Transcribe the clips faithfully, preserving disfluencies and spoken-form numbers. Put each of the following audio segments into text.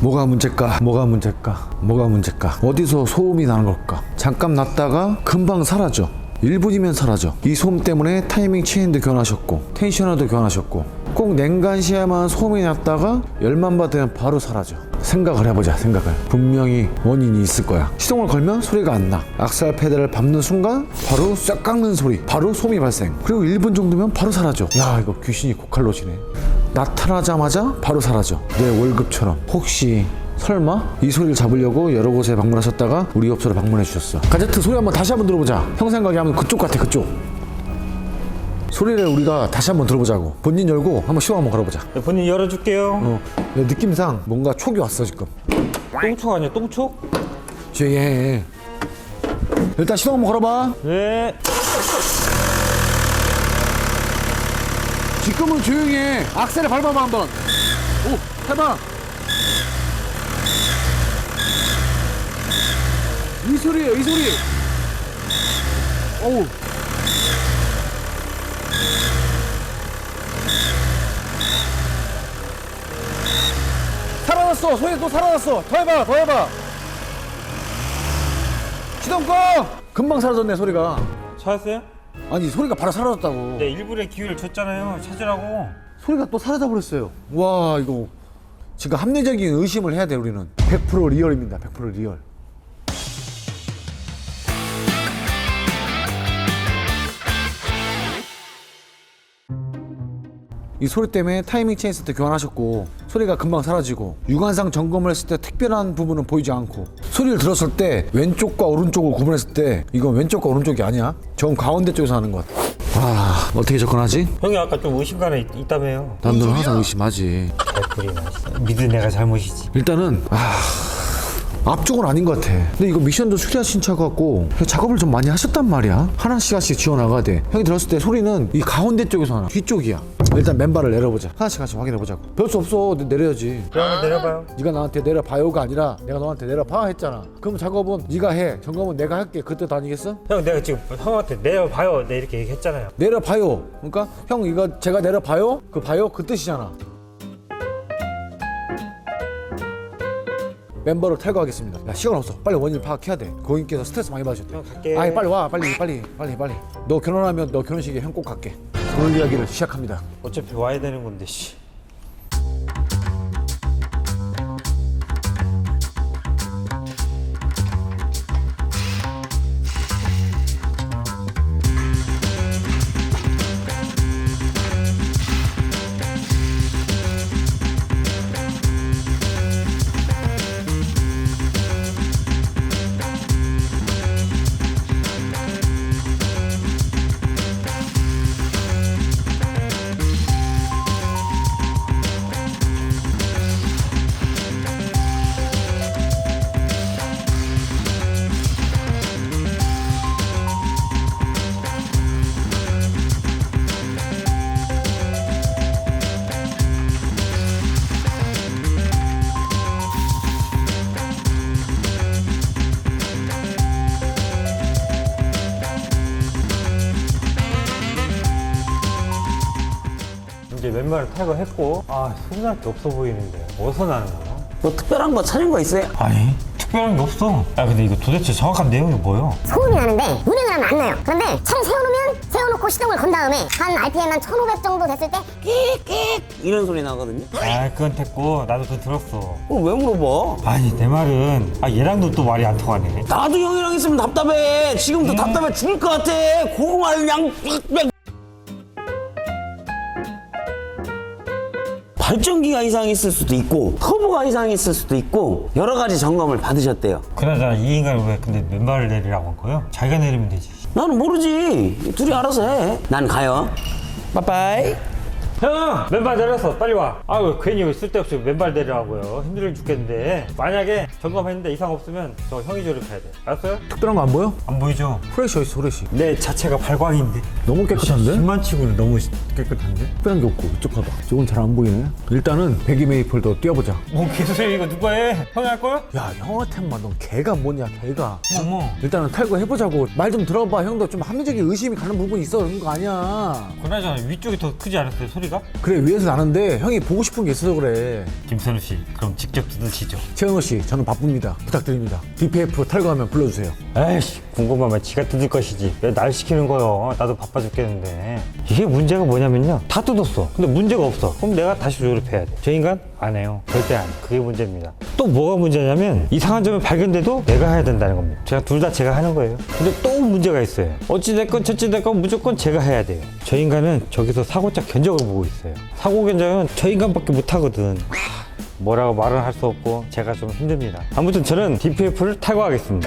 뭐가 문제일까? 뭐가 문제일까? 뭐가 문제일까? 어디서 소음이 나는 걸까? 잠깐 났다가 금방 사라져. 일 분이면 사라져. 이 소음 때문에 타이밍 체인도 교환하셨고 텐셔너도 교환하셨고 꼭 냉간시야만 소음이 났다가 열만 받으면 바로 사라져. 생각을 해보자. 생각을. 분명히 원인이 있을 거야. 시동을 걸면 소리가 안 나. 악셀 페달을 밟는 순간 바로 싹 깎는 소리, 바로 소음이 발생. 그리고 일 분 정도면 바로 사라져. 야, 이거 귀신이 고칼로지네. 나타나자마자 바로 사라져. 내 월급처럼. 혹시 설마 이 소리를 잡으려고 여러 곳에 방문하셨다가 우리 업소로 방문해 주셨어. 가제트 소리 한번 다시 한번 들어보자. 형 생각에 하면 그쪽 같아. 그쪽 소리를 우리가 다시 한번 들어보자고. 본인 열고 한번 시동 한번 걸어보자. 네, 본인 열어줄게요. 어, 느낌상 뭔가 촉이 왔어 지금. 똥촉 아니야 똥촉? 조용히 해. 일단 시동 한번 걸어봐. 네. 지금은 조용히 해. 악셀을 밟아봐 한번. 오, 해봐. 이 소리예요, 이 소리. 어우. 살아났어. 소리 또 살아났어. 더 해봐, 더 해봐. 시동 꺼. 금방 사라졌네 소리가. 찾았어요? 아니 소리가 바로 사라졌다고. 네, 일부러 기회를 줬잖아요. 찾으라고. 소리가 또 사라져 버렸어요. 와, 이거 지금 합리적인 의심을 해야 돼. 우리는 백 퍼센트 리얼입니다. 백 퍼센트 리얼. 이 소리 때문에 타이밍 체인 세트 교환하셨고 소리가 금방 사라지고 육안상 점검을 했을 때 특별한 부분은 보이지 않고 소리를 들었을 때 왼쪽과 오른쪽을 구분했을 때 이건 왼쪽과 오른쪽이 아니야. 정 가운데 쪽에서 하는 것 같아. 와, 어떻게 접근하지? 형이 아까 좀 의심가는 있, 있다며요. 난 너를 항상 의심하지. 개뿔이나 진짜. 믿은 내가 잘못이지. 일단은 아... 앞쪽은 아닌 것 같아. 근데 이거 미션도 수리하신 차 같고 작업을 좀 많이 하셨단 말이야. 하나씩 하나씩 지워나가야 돼. 형이 들었을 때 소리는 이 가운데 쪽에서 하나, 뒤쪽이야. 일단 맨발을 내려보자. 하나씩 하나씩 확인해보자고. 별 수 없어. 내려야지. 그러면 내려봐요. 네가 나한테 내려봐요가 아니라 내가 너한테 내려봐 했잖아. 그럼 작업은 네가 해. 점검은 내가 할게. 그때 다니겠어? 형 내가 지금 형한테 내려봐요. 내 이렇게 얘기했잖아요. 내려봐요. 그러니까 형 이거 제가 내려봐요? 그 봐요? 그 뜻이잖아. 멤버를 탈거하겠습니다. 야, 시간 없어. 빨리 원인을 파악해야 돼. 고객님께서 스트레스 많이 받으셨대. 형 갈게. 아니 빨리 와. 빨리 빨리 빨리 빨리. 너 결혼하면 너 결혼식에 형 꼭 갈게. 오늘 이야기를 시작합니다. 어차피 와야 되는 건데 씨. 이제 왼발을 탈거했고 아 소문날 게 없어 보이는데 어디서 나는 거야? 뭐 특별한 거 찾은 거 있어요? 아니 특별한 게 없어. 아 근데 이거 도대체 정확한 내용이 뭐예요? 소음이 나는데 운행을 하면 안 나요. 그런데 차를 세워놓으면 세워놓고 시동을 건 다음에 한 알피엠 한 천오백 정도 됐을 때 끽끽 이런 소리 나거든요. 아 그건 됐고 나도 그거 들었어. 그럼 왜 물어봐? 아니 내 말은 아 얘랑도 또 말이 안 통하네. 나도 형이랑 있으면 답답해. 지금도 답답해 죽을 것 같아. 고구마를 그냥 삑삑. 발전기가 이상이 있을 수도 있고 터보가 이상이 있을 수도 있고 여러 가지 점검을 받으셨대요. 그나저나 이 인간은 왜 근데 맨발을 내리라고 한 거예요? 자기가 내리면 되지. 나는 모르지. 둘이 알아서 해. 난 가요. 빠빠이. 형! 맨발 내렸어. 빨리 와. 아유 괜히 쓸데없이 맨발 내리라고요. 힘들어 죽겠는데 만약에 점검했는데 이상 없으면 저 형이 조립해야 돼. 알았어요? 특별한 거 안 보여? 안 보이죠? 프레시 어딨어 프레시. 내 자체가 발광인데 너무 깨끗한데? 십만 치고는 너무 깨끗한데? 특별한 게 없고 이쪽 봐봐. 저건 잘 안 보이네. 일단은 배기 메이플도 띄워보자. 뭐 개소리 이거 누가 해? 형이 할 거야? 야, 형한테만 넌 개가 뭐냐 개가. 어머 일단은 탈거해보자고. 말 좀 들어봐. 형도 좀 합리적인 의심이 가는 부분이 있어. 그런 거 아니야. 그나저나 위쪽이 더 크지 않았어요 소리가? 나는가? 그래 위에서 나는데 형이 보고 싶은 게 있어서 그래. 김선우 씨, 그럼 직접 뜯으시죠. 최현호 씨, 저는 바쁩니다. 부탁드립니다. 디피에프 탈거하면 불러주세요. 에이씨, 궁금하면 지가 뜯을 것이지. 왜 날 시키는 거요? 나도 바빠 죽겠는데. 이게 문제가 뭐냐면요. 다 뜯었어. 근데 문제가 없어. 그럼 내가 다시 조립해야 돼. 저 인간? 안 해요. 절대 안. 그게 문제입니다. 또 뭐가 문제냐면 이상한 점이 발견돼도 내가 해야 된다는 겁니다. 제가 둘 다 제가 하는 거예요. 근데 또 문제가 있어요. 어찌됐건 저찌됐건 무조건 제가 해야 돼요. 저 인간은 저기서 사고짝 견적을 보고 있어요. 사고 견적은 저 인간밖에 못 하거든. 하, 뭐라고 말은 할 수 없고 제가 좀 힘듭니다. 아무튼 저는 디피에프를 탈거하겠습니다.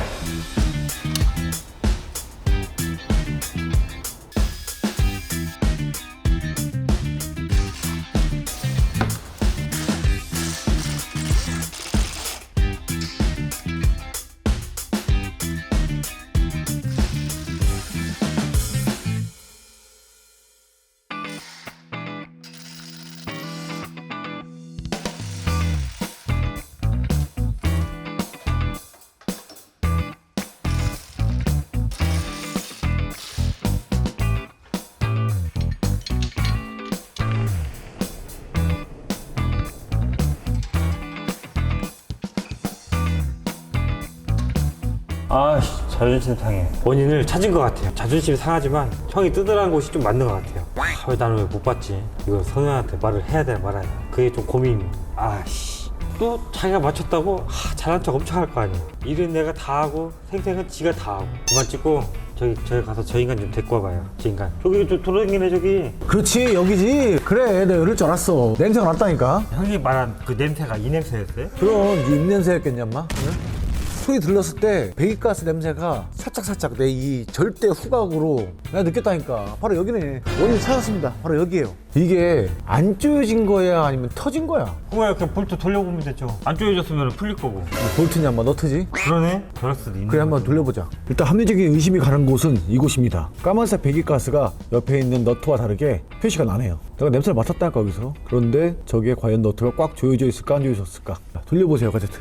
아씨, 자존심 상해. 원인을 찾은 것 같아요. 자존심이 상하지만 형이 뜯으라는 곳이 좀 맞는 것 같아요. 아, 왜 나는 왜 못 봤지? 이거 선우한테 말을 해야 돼 말아야 돼. 그게 좀 고민입니다. 아씨, 또 자기가 맞췄다고 아, 잘한 척 엄청 할 거 아니야. 일은 내가 다 하고 생생은 지가 다 하고. 그만 찍고 저기 저기 가서 저 인간 좀 데리고 와봐요. 저 인간 저기 저 돌아다니네 저기. 그렇지 여기지. 그래 내가 이럴 줄 알았어. 냄새가 났다니까. 형님 말한 그 냄새가 이 냄새였어요? 그럼 네 입냄새였겠냐 인마? 응? 소리 들렸을 때 배기가스 냄새가 살짝살짝 내 이 절대 후각으로 내가 느꼈다니까. 바로 여기네. 원인 찾았습니다. 바로 여기에요. 이게 안 조여진 거야 아니면 터진 거야? 그거야 그냥 볼트 돌려보면 되죠. 안 조여졌으면 풀릴 거고. 볼트냐 한번 너트지? 그러네. 그럴 수도 있네. 그래 한번 돌려보자. 일단 합리적인 의심이 가는 곳은 이곳입니다. 까만색 배기가스가 옆에 있는 너트와 다르게 표시가 나네요. 내가 냄새를 맡았다니까 여기서. 그런데 저기에 과연 너트가 꽉 조여져 있을까 안 조여졌을까? 자, 돌려보세요 가제트.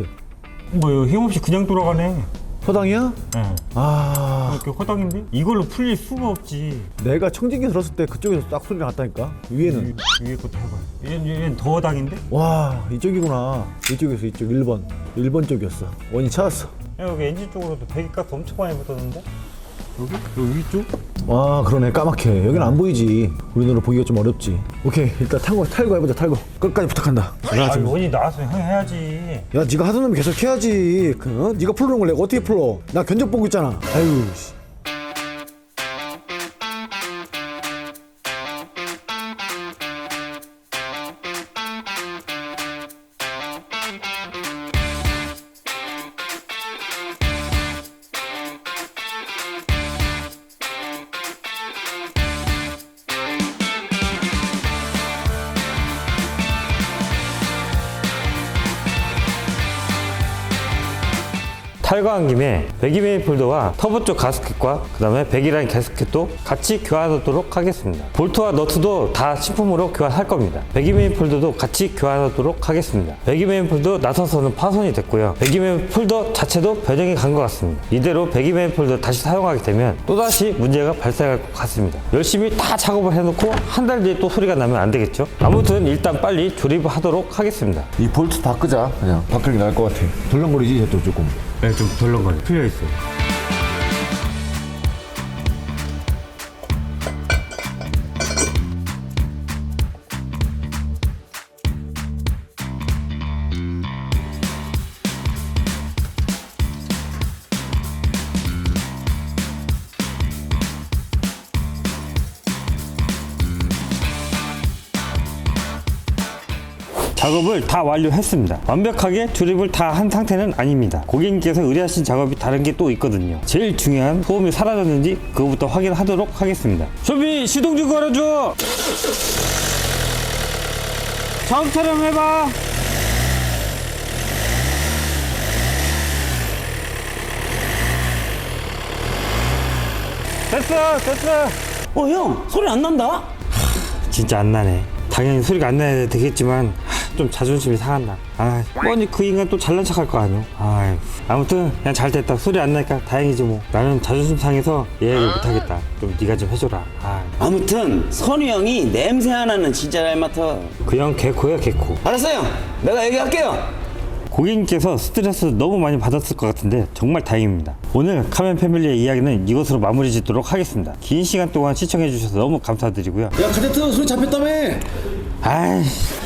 뭐요? 힘없이 그냥 돌아가네. 허당이야? 응. 아 이렇게 허당인데? 이걸로 풀릴 수가 없지. 내가 청진기 들었을 때 그쪽에서 딱 소리가 났다니까. 위에는 위, 위에 것도 해봐요. 얘는, 얘는 더 허당인데? 와 이쪽이구나. 이쪽에서 이쪽 일 번 일 번 쪽이었어. 원인 찾았어. 야, 여기 엔진 쪽으로도 배기가스 엄청 많이 묻었는데? 여기? 여기 위쪽? 와 그러네 까맣게. 여기는 안 보이지. 우리 눈으로 보기가 좀 어렵지. 오케이 일단 탈거 탈거 해보자. 탈거 끝까지 부탁한다. 아니 원이 나왔으면 형이 해야지. 야 네가 하던 놈이 계속 해야지. 그, 어? 네가 풀어놓은 걸 내가 어떻게 풀어. 나 견적 보고 있잖아. 아유 씨. 탈거한 김에 배기메이플더와 터보 쪽 가스켓과 그 다음에 배기라인 가스켓도 같이 교환하도록 하겠습니다. 볼트와 너트도 다 신품으로 교환할 겁니다. 배기메이플더도 같이 교환하도록 하겠습니다. 배기메이플더 나서서는 파손이 됐고요. 배기메이플더 자체도 변형이 간 것 같습니다. 이대로 배기메이플더 다시 사용하게 되면 또다시 문제가 발생할 것 같습니다. 열심히 다 작업을 해놓고 한 달 뒤에 또 소리가 나면 안 되겠죠? 아무튼 일단 빨리 조립을 하도록 하겠습니다. 이 볼트 바꾸자. 그냥 바꾸는 게 나을 것 같아. 덜렁거리지 쟤도 조금. 네, 좀 덜렁거려. 풀려있어요. 작업을 다 완료했습니다. 완벽하게 조립을 다 한 상태는 아닙니다. 고객님께서 의뢰하신 작업이 다른 게 또 있거든요. 제일 중요한 소음이 사라졌는지 그거부터 확인하도록 하겠습니다. 소비 시동 좀 걸어줘. 작업 촬영해봐. 됐어 됐어. 어 형 소리 안 난다? 진짜 안 나네. 당연히 소리가 안 나야 되겠지만 하, 좀 자존심이 상한다. 아, 뻔히 그 인간 또 잘난 척할 거 아니야. 아유, 아무튼 그냥 잘 됐다. 소리 안 나니까 다행이지 뭐. 나는 자존심 상해서 얘기를 못하겠다. 좀 네가 좀 해줘라. 아, 아무튼 선우 형이 냄새 하나는 진짜 잘 맡아. 그 형 개코야 개코. 알았어요. 내가 얘기할게요. 고객님께서 스트레스 너무 많이 받았을 것 같은데 정말 다행입니다. 오늘 카멘 패밀리의 이야기는 이것으로 마무리 짓도록 하겠습니다. 긴 시간 동안 시청해 주셔서 너무 감사드리고요. 야 카제트 소리 잡혔다며. 아이씨.